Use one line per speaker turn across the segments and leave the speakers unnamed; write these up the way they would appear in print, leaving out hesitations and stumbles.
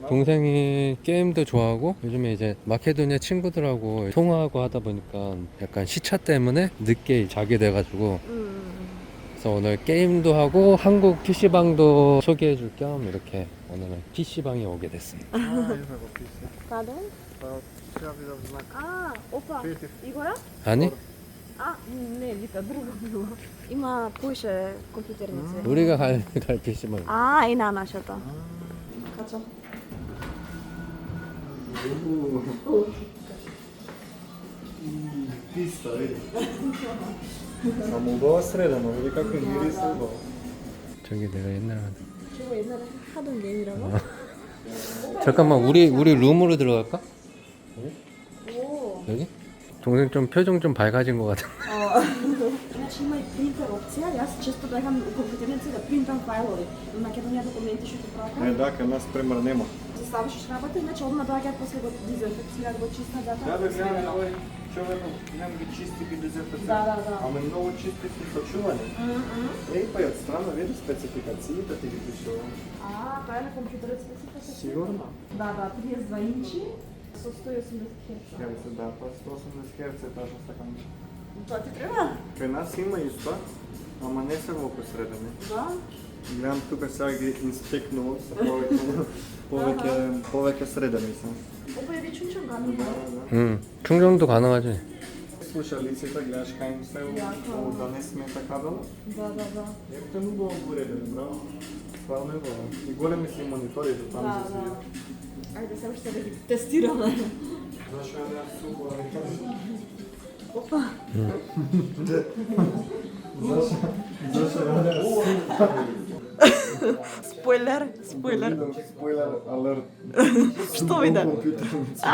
동생이 게임도 좋아하고 요즘에 이제 마케도니아 친구들하고 통화하고 하다 보니까 약간 시차 때문에 늦게 자게 돼가지고 그래서 오늘 게임도 하고 한국 PC방도 소개해 줄 겸 이렇게 오늘은 PC방에 오게 됐습니다.
Pardon? А, опа, Игора?
아니?
А, не, вика, друго било. Има поише компјутерници.
우리가 갈 PC방.
А, и на нашата. Качо?
Pista, vidi. Samo ubava sredano, vidi kako je miris ubava.
저기 내가 옛날에
저거 옛날에 하던 게임이라고?
잠깐만 우리 룸으로 들어갈까?
오.
여기? 동생 좀 표정 좀 밝아진 것 같아.
Значи има и принтер опција, јас често бегам у компјутерници да принтам фајлови. На Македонија документи што ти пратам.
Da, kad nas primjer nema.
Ти ставиш работа, значи одма доаѓаат после го дезинфекцираат, го чистат затоа.
Да, бе, гледам, ovaj čovjek nam ги чисти ги дезинфекцира.
Да.
Ама много чисти си сочувани. Ей, па и от страна види спецификациите ти ги пишува.
А, тоа е на компјутерот специфика.
Сигурно?
Да, 32 инчи со 180 Hz.
Херце, да, па 180 Hz е точно стакан.
Тоа ти треба?
Кај нас има исто, ама не се во посредени.
Да.
Гледам тука сега ги инспектнувам са повеќе средени се.
Опа е вече учам
Да,
гану.
да.
충전도 가능하지.
Слушалиците, гледаш кај им се
Јако.
да не смета кабела.
Да.
Ето е много уреден, браво. Стварно е браво. И големи си мониторите там
Да,
за
да.
свија.
Ајде сега ще да ги тестираме.
Зашо е да супер, не кажеш?
Опа.
Зашо е да
Спойлер.
Спойлер алерт.
Што виде?
Компјутерница.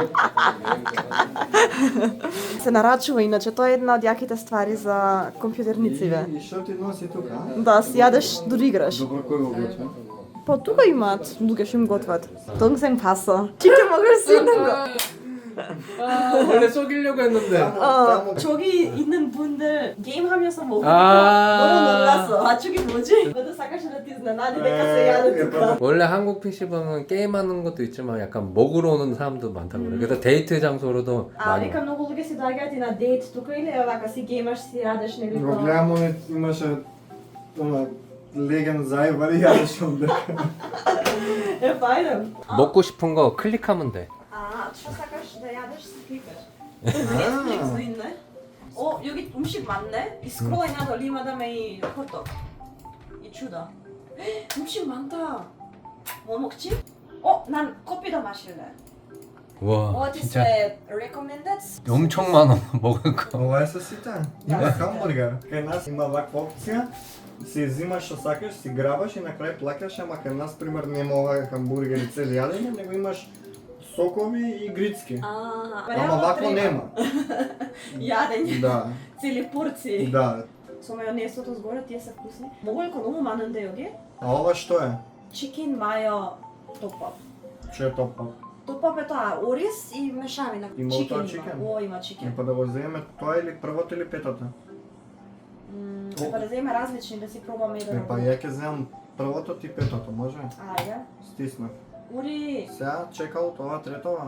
Се нарачува иначе, тоа е една од јаките ствари за компјутернициве.
И што ти носи тука?
Да, си јадеш дори играш.
Добро, кој го готви?
Па тука имаат луѓе што им готват. Тонгсен паса. Чите могаш си го.
원래 속이려고 했는데.
저기 있는 분들 게임하면서 먹으니까
아.
너무 놀랐어. 아 저기 뭐지? 너도 사카시라 티즈나 나니 내가 써야 돼.
원래 한국 PC방은 게임하는 것도 있지만 약간 먹으러 오는 사람도 많다고 그래. 그래서 데이트 장소로도
А
많이.
вика многу луѓе си доаѓаат и на дейт тука или вака си геймаш, си јадеш нели
Го
тоа.
гледам, имаше леген зајбари, јадеш онде.
Е фајден.
먹고 싶은 거 클릭하면 돼.
А, што сакаш да јадеш си кликаш. Netflix 있네. 여기 음식 많네. 이 스크롤링 надолу има да ме и фото. 이 чудо. 음식 많다. 뭐 먹지? 난 커피도 마실래.
와
What is
진짜
the recommended?
엄청 많아 먹을 거.
Ова е со сите. Има хамбургер. Кај нас има ваква опција. Си взимаш што сакаш, си грабаш и на крај плакаш, ама кај нас пример нема ова хамбургери цели јадење, него имаш сокови и грицки. Ама вакво нема.
Јадење.
Да,
Цели порции.
да.
Со мајонесото згоре тие се вкусни. Моголко многу манен да јоги.
А ова што е?
Chicken mayo top-up.
Што е топа?
Top-up е тоа ориз и мешавина.
Има
Chicken
тоа
има.
chicken?
Има chicken.
Па да го земеме тоа или првото или петото?
Треба да земе различни да си пробаме еден.
Па ја ќе земам првото ти петото, може?
Ајде.
Стиснав.
Ури.
Сега чекал тоа третова.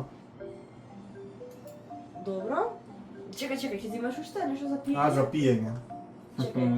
Добро. Чекај, ќе земаш уште нешто за пиење?
А, за пиење.
Чекај.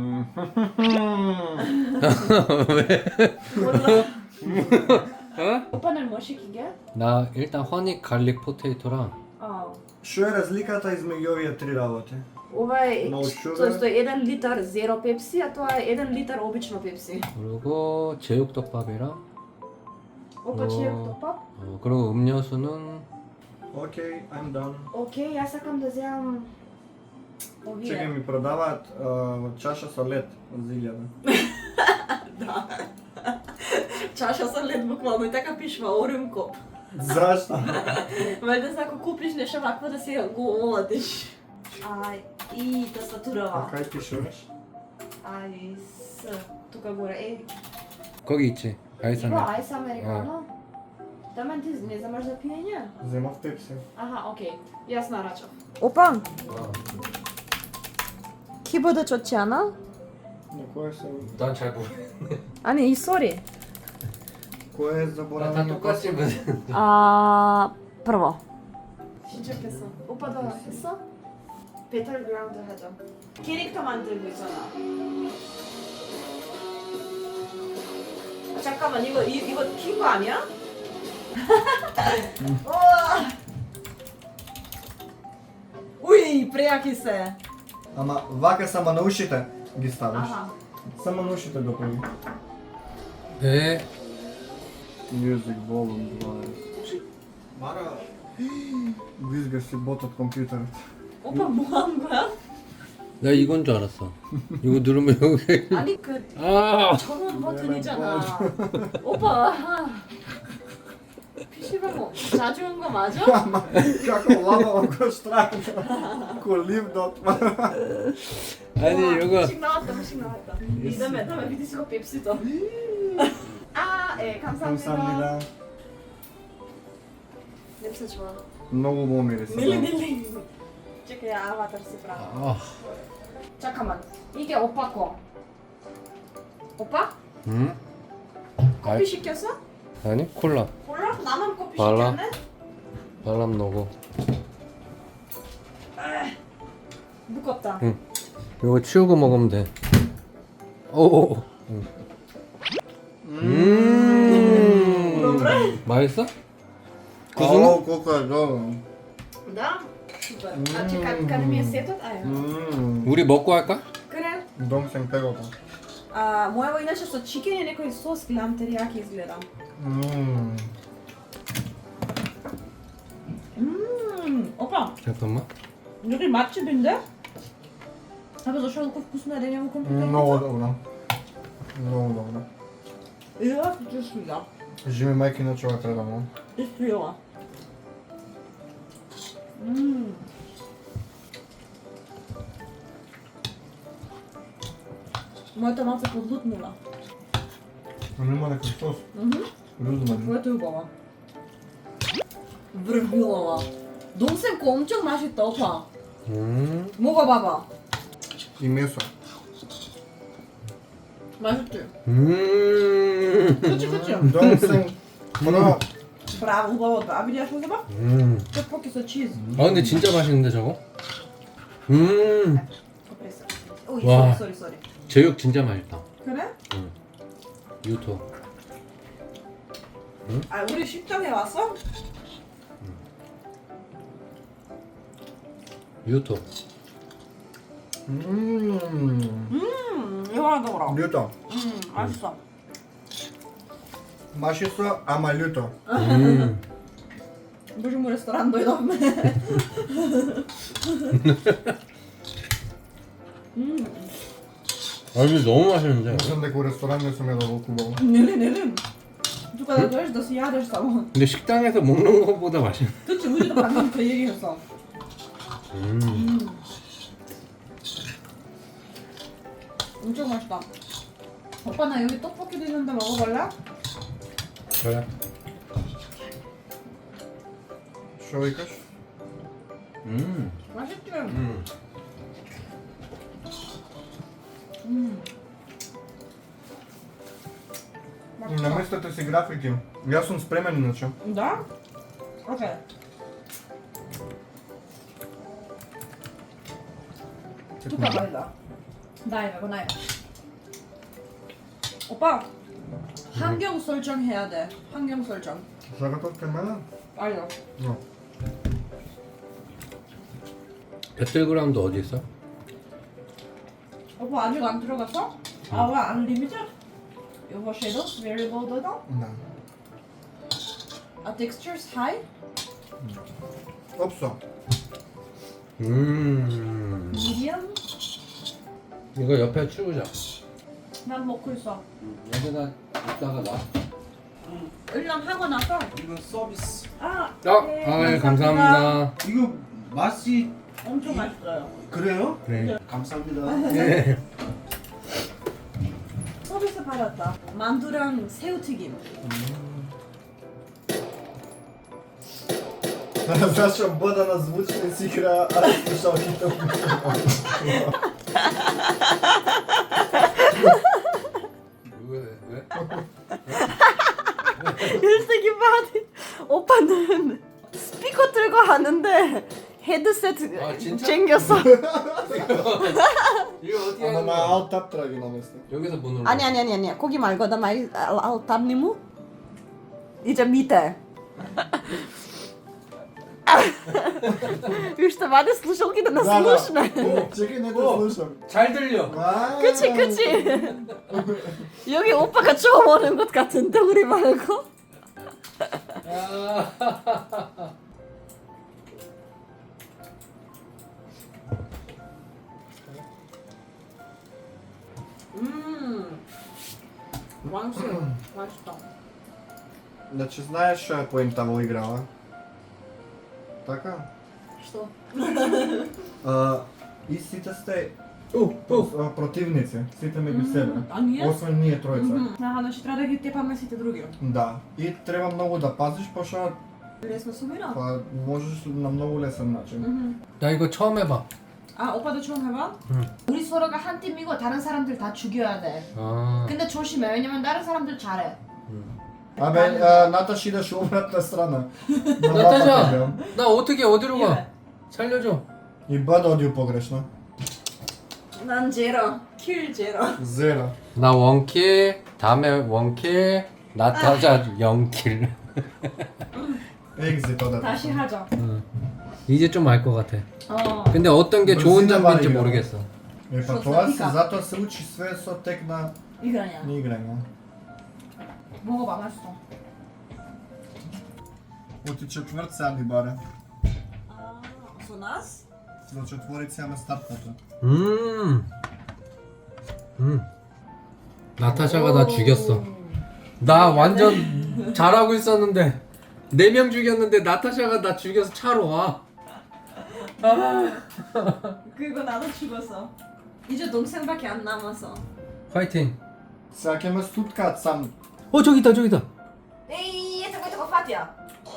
Опа не може киге?
나 일단 허니 갈릭 포테이토랑
Што е разликата измеѓу овие три работи?
Ова е
No
тоа
sugar.
е 1 литар зеро пепси, а тоа е 1 литар обично пепси.
그리고 제육덮밥이랑
Опа чијак топап?
그리고 음료수는
Окей, I'm done.
Океј, јас сакам да земам
Чекај,
овие.
ми продаваат чаша со лед од 1000.
Чаша со лед буквално и така пишува Оренкоп.
Зашто?
Вајде за ако купиш нешто вакво да си го оладиш. И
А
тастатурава.
кај пишуваш?
С тука горе.
거기 있지. 아이스
Има
아메리카노.
ајс американо. Тамен ти не земаш за пиење?
Земав пепси.
Аха, окей. Јас нарачав. Опа, ки биде чочана?
На кој се...
난잘 모르겠네.
아니 이 소리.
Кое е заборавено?
똑같이 무슨
prvo. 시작했어. 오빠도 했어? 배틀그라운드 하자. 캐릭터 만들고 있잖아. 잠깐만 이거 킨 거 아니야? 우와. Уй, пряки се.
Ама вака само на ушите ги ставаш.
Аха.
Само на ушите го прави.
네.
Music volume 20. Мара. Визга си ботът компютърът.
오빠 뭐 하는 거야?
나 이건 줄 알았어. 이거 누르면 여기.
아니 그
아.
전원 버튼이잖아. 오빠. PC방 뭐 자주 온 거 맞아?
Ама, како лава го страхно. Колив до това.
아니 이거.
음식 나왔다. 이 다음에 비디스코 펩시도. 아, 예, 감사합니다.
감사합니다.
냄새 좋아.
Много хубаво мириса.
밀리. чекай, аватар си прави.
아.
잠깐만. 이게 오빠 거. 오빠?
응?
커피 시켰어?
아니 콜라.
몰라? 나만 커피
발라.
시켰네?
바람 넣고.
무겁다.
응. 이거 치우고 먹으면 돼. 오. 맛있어?
О, колко е добро.
Да? Супер. А че как ми е сетът? Ай.
우리 먹고 할까?
그래.
Дом съм пегото.
Моево иначе со чикен и некој сос гледам терияки изгледа. Опа,
잠깐만.
여기 맛집인데? Абе, защо толкова вкусно е да няма компютър?
Много добро. Много добро.
Я хочу сюда.
Живи майки на човек предавно.
И свила. Моята мама се подлутнила.
Но има някакъв сос. Розмарин.
Твоето е убава. Връгвилава. Домсенко 엄청 맛있다, 오빠. 먹어봐봐.
И месо.
맛있지? 그치?
Домсен. Браво.
Браво, убаво. А видяш го зъба? 떡볶이 с чиз.
아 근데 진짜 맛있는데 저거?
Компреса. Ой,
와.
сори.
제육 진짜 맛있다.
그래?
유토.
아, 우리 식당에 왔어?
유토.
이거 하나 더 먹어.
Люто.
맛있어.
Машисо, ама люто.
Боже мой, ресторан도 идваме.
아 이거 너무 맛있는데.
Мислам дека у ресторан не сум ядал хубаво.
Не. Тук да дойдеш да си ядеш само.
근데 식당에서 먹는 것보다 맛있네.
그치, 우리도 방금 그 얘기했어. 엄청 맛있다. 오빠 나 여기 떡볶이도 있는데 먹어볼래?
그래.
Шо викаш?
맛있지?
Наместете си графики. Јас сум спремен иначе.
Да? Окей. тук байда. дай ме го най. 오빠 환경 설정해야 돼. 환경 설정.
Сакате од мене?
알려.
No.
배틀그라운드 어디 있어?
오빠 아직 안 들어갔어? 아, 왜 unlimited? 이거 shadows variable 도도?
Да.
아, textures high?
Опсо.
medium?
이거 옆에 치우자.
난 먹고 있어.
여기다 이따가 놔.
일랑 하고 나서.
이거 서비스.
아,
예, 감사합니다.
이거 맛이
엄청 맛있어요.
그래요?
네.
감사합니다.
네.
서비스 받았다. 만두랑 새우튀김.
Зашо бъда на звучни си игра, аз слушалките от
왜?
얘기 봐. 오빠는 스피커 들고 하는데 헤드셋
아, 진짜?
챙겼어.
이거 어떻게
Ама
하는
на
거야?
Alt Tab трябва да ги намести.
여기서 뭐 눌러?
아니. 거기 말고 나 말 알탑니 무? 이제 밑에. Виж, това да слушалките на слушне.
О, чекай, не те слушам.
잘 들려.
그치. 여기 오빠가 처음 오는 것 같은데 우리 말고. 맛있다.
Значи знаеш што е поента во играва? Така?
Што?
И сите сте противници, сите меѓу себе.
А ние?
Освен ние тројца.
Значи трябва да ги тепаме сите други.
Да. И треба многу да пазиш, пошто
Лесно сумира.
па можеш на многу лесен начин.
나 이거 처음 해봐.
아, 오빠도 처음 해봐?
우리 서로가 한 팀이고 다른 사람들 다 죽여야 돼.
아.
근데 조심해. 왜냐면 다른 사람들 잘해.
Абе, Наташ идеш обратна страна.
나타샤, 나 어떻게 어디로 가?
예.
살려줘.
И бъде одио погрешно.
난 제로. 킬 제로.
Зера.
나 원킬, 다음에 원킬, 나타자 0킬.
Екзит одата.
다시 하자.
이제 좀 알 것 같아.
어.
근데 어떤 게 좋은
브라질은
장면인지
말이야.
모르겠어.
Е, па
Што
тоа се,
снабика?
затоа се учи све со тек на
이거냐.
играње.
먹어봐. 맛있어.
Оти четврт сега ни баре.
아, со нас?
За четворица имаме стартната.
나타샤가 나 죽였어. 나 완전 잘하고 있었는데 4명 죽였는데 나타샤가 나 죽여서 차로 와.
그리고 나도 죽었어. 이제 동생밖에 안 남았어.
파이팅.
Сега ќе ме стуткаат сам.
저기 있다, 저기 있다.
에이, 저거 파티야.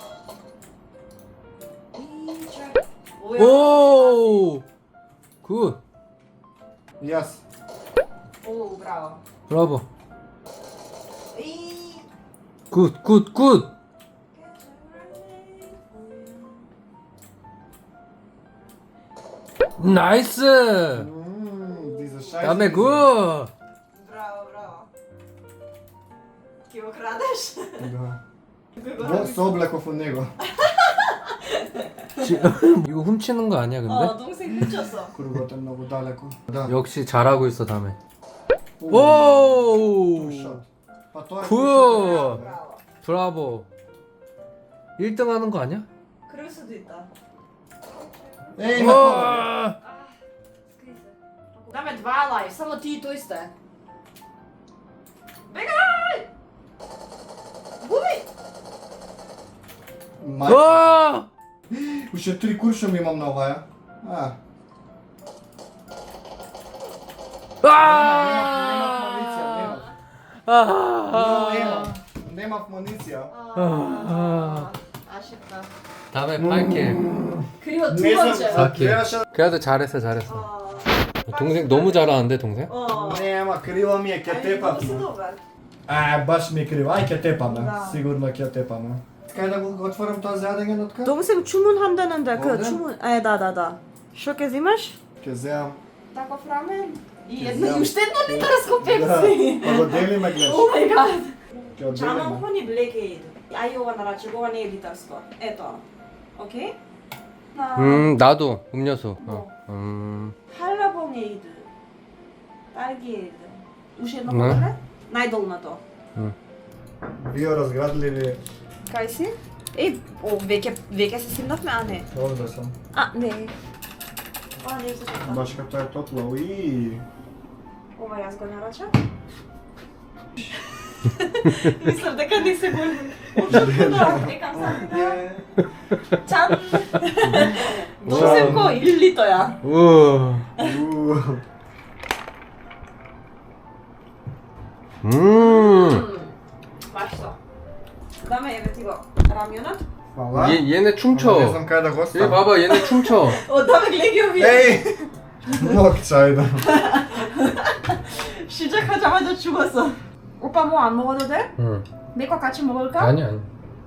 오! 굿.
Јас.
오, 브라워.
브라보.
에이.
굿, 굿, 굿. 나이스.
Диза шајс.
다음에 굿.
브라워, 브라워. 기억 крадеш?
Да.
그거
Во се облеков од него.
이거 훔치는 거 아니야, 근데?
어, 동생 훔쳤어.
Кругот е многу далеко. Да.
역시 잘하고 있어, 다음에.
오.
오!
샷. Па тоа е
굿.
굿.
브라워.
브라보. 1등 하는 거 아니야?
그럴 수도 있다.
Еј, на тоа.
와!
그다음에 2 лайф. Само ти и тој сте.
Мај.
와!
Уште 3 куршум имам на оваа. Немав муниција, немав. Немав муниција.
아쉽다.
다음에 8킬.
그리고 두
Не знам,
번째.
오케이.
гледаше.
그래도 잘했어. 동생 너무 잘하는데, 동생?
어.
Нема, криво ми е, ќе
아니,
тепам.
много си добър.
Баш ми е криво. Ај, ќе тепаме.
Да.
Сигурно ќе тепаме. Кај да го отворам тоа за јадење на така?
동생 주문한다는데 그
뭔데?
주문. 다. Що ке взимаш?
Ќе земам.
Таков рамен. И
Ќе
едно
земам.
и уште едно литарско пепси.
Па го делиме, гледаш.
О май гад.
Ќе
Чамам
одделиме.
хони блекейд. Ај ова нараче, ова не е литарско. Ето. Окей?
나도 음료수.
할라봉에이드. 딸기에이드. уште едно
Не.
поглед? Најдолното.
Биоразградливи.
Кај си? Веќе се симнавме, а не.
Овде сум.
Не. Ова не е за тоа.
Баш като е топло. Уи.
Ова јас го нарачам. Мислам дека не се го очекувам. Екам сам. Чан. Носим ко 1 литоја.
우와.
맛있어. 그다음에 еве ти го рамјонот.
Фала.
얘네
Не
춤춰.
знам кај да го
얘
ставам.
봐봐, 얘네 춤춰.
Одаме глеги овие.
Еј! Мог чајда.
시작하자마자 죽었어. 오빠 뭐 안 먹어도 돼?
응.
내 거 같이 먹을까?
아니.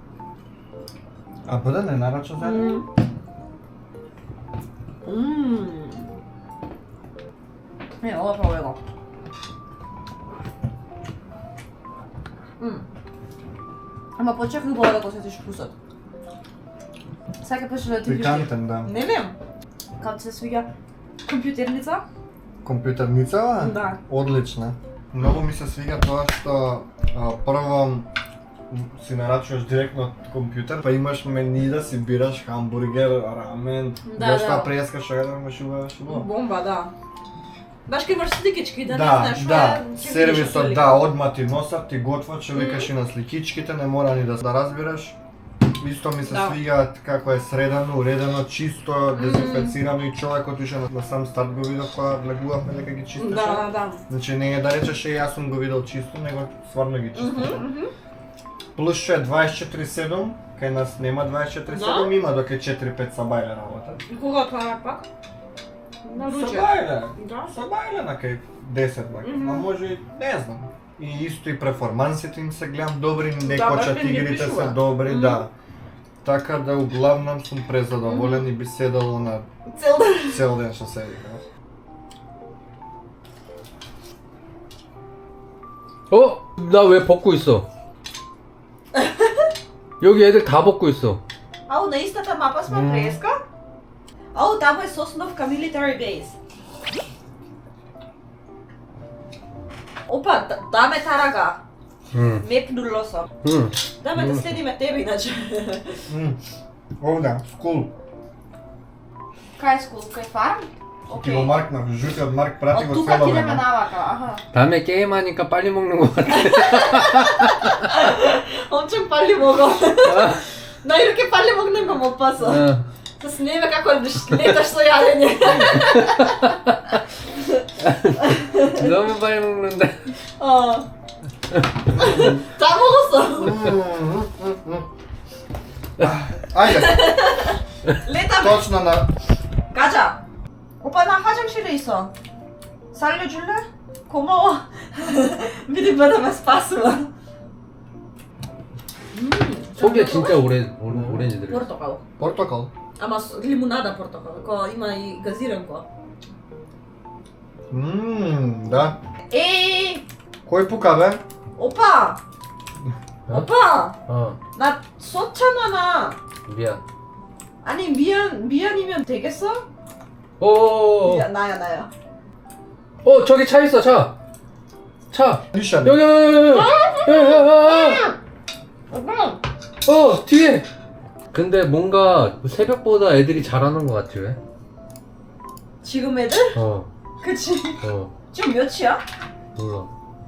А бъде не нарача за
네, 먹어봐 이거. Ама почакай го да го сетиш вкусот. Сака пеше да ти виж.
Пикантен, да.
Не вем. Како се свиѓа компјутерница?
Компјутерница?
Да.
Одлична. Многу ми се свига тоа што прво си нарачуваш директно од компјутер, па имаш мени да си бираш хамбургер, рамен,
Да,
нешта
да.
прескаш, да имаш убаво.
Бомба, да. Баш кај имаш сликички, да не
Да,
знаеш
да,
ќе видиш
сервисот,
одлика.
да, одма ти носат, ти готват, што викаш и на сликичките, не мора ни да разбираш. Исто ми се
Да.
свига како е средано, уредено, чисто, дезинфецирано и човекот уште на сам старт го видов кога влегувавме дека ги чистеше.
Да, да.
Значи не е да речеш јас сум го видел чисто, него стварно ги чистеше. Плюс што е 24/7, кај нас нема 24/7, има до кај 4-5 сабајле работа.
Кога тоа пак? На руче.
Сабајле,
Да.
сабајле на кај 10 бак, а може и не знам. И исто и перформансите им се гледам добри, не
Да,
кочат
баш ми
игрите се
пишува.
добри, да. Така да углавном сум презадоволен и би седал на
Цел ден.
цел ден што седи.
어? 나 왜 벗고 있어? 여기 애들 다 벗고 있어.
Ау, на истата мапа сме преска? Ау, таму е Сосновка Military Base. Опа, даме тарага.
응.
Меп нулосо.
응.
Даме да следиме тебе иначе.
Овда, скул.
Кај скул, кај фарм?
Ти го маркнав, жутиот марк прати
Од
го
тука
цело
ти идеме
време.
навака, аха.
다음에 게임하니까 빨리 먹는 거 같아.
엄청 빨리 먹어. 나 이렇게 빨리 먹는 거 못 봤어.
어.
С неме како леташ со јадење.
너무 빨리 먹는다.
Да 먹었어.
Ајде,
Летаме.
точно на...
가자. 오빠 나 화장실에 있어. 살려줄래? 고마워. 미리보다 ме спасила.
속에 진짜 오렌지 들어.
Портокал.
Портокал.
Ама лимунада портокал. Ко има и газиранко.
Да.
Еј,
Кој пука бе?
오빠.
어?
오빠.
어.
나 썼잖아 나.
미안.
아니 미안이면 되겠어?
오.
미안, 나야.
저기 차 있어 차. 차.
Лишан.
여기.
오빠.
뒤에. 근데 뭔가 새벽보다 애들이 잘하는 것 같지 왜?
지금 애들?
어.
그치.
어.
지금 몇이야?
몰라.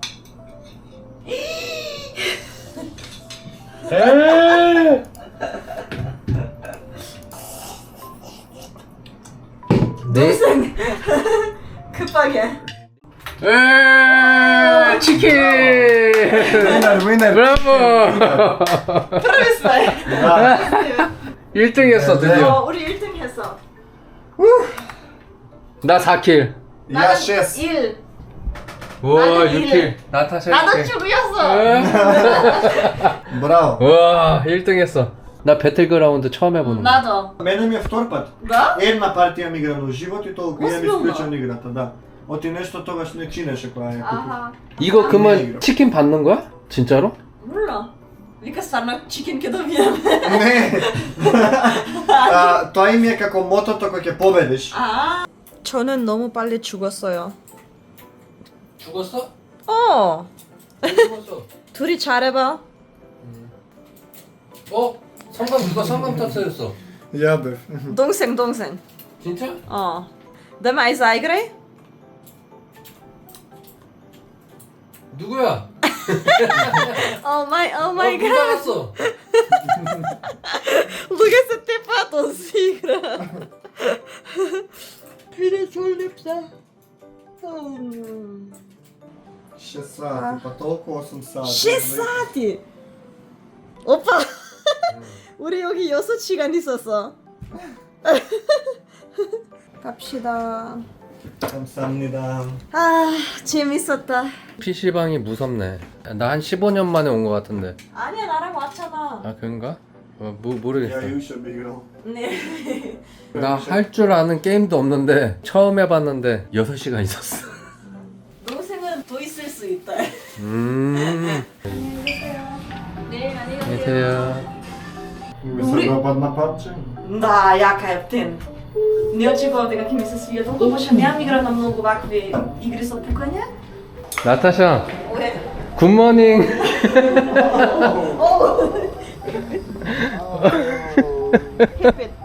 네.
동생. 급하게.
치킨.
Winner.
브라보.
프로미스나이.
Да.
1등 했어 드디어.
우리 1등 했어.
나 4킬.
Ја 6.
1.
우와
나는
6킬. 나 다시
나도
할게.
죽였어.
Браво.
와 1등 했어. 나 배틀그라운드 처음 해보는 거.
나도.
Мене ми е втор пат.
Да?
Една партија ми играм во живот и толку ја ми
Озбилно?
исклучам играта, да. Оти нешто тогаш не чинеше кога ја купив.
아하.
이거
네,
그러면
이거.
치킨 받는 거야? 진짜로?
몰라. Вика станна чикен ке добиеме.
Не. Тоа им е како мотото кој ќе победиш.
저는 너무 빨리 죽었어요.
죽었어?
어. 둘이 잘해봐.
누가 성감 터트렸어?
Ја бев.
동생.
진짜?
дай май заиграј.
누구야?
Oh my
누가
god.
왔어?
Луѓе се тепаат од си игра. Виде солипса.
6 сати, па толку 8 сати.
6 сати. 오빠. 우리 여기 6시간 있었어. 갑시다.
감사합니다.
재밌었다.
PC방이 무섭네. 나 한 15년 만에 온 거 같은데.
아니야, 나랑 왔잖아.
아 그런가? 모르겠어.
Ja juče bi igral.
Не.
나 할 줄 아는 게임도 없는데 처음 해봤는데 6시간 있었어.
동생은 더 있을 수 있다.
네, 안녕하세요.
Би се допадна парче.
Да, јака е птен. Не очекував дека ќе ми се свија толку, пошто немам игра на многу вакви игри со пукање.
나타샤,
Ое.
굿모닝.
Hep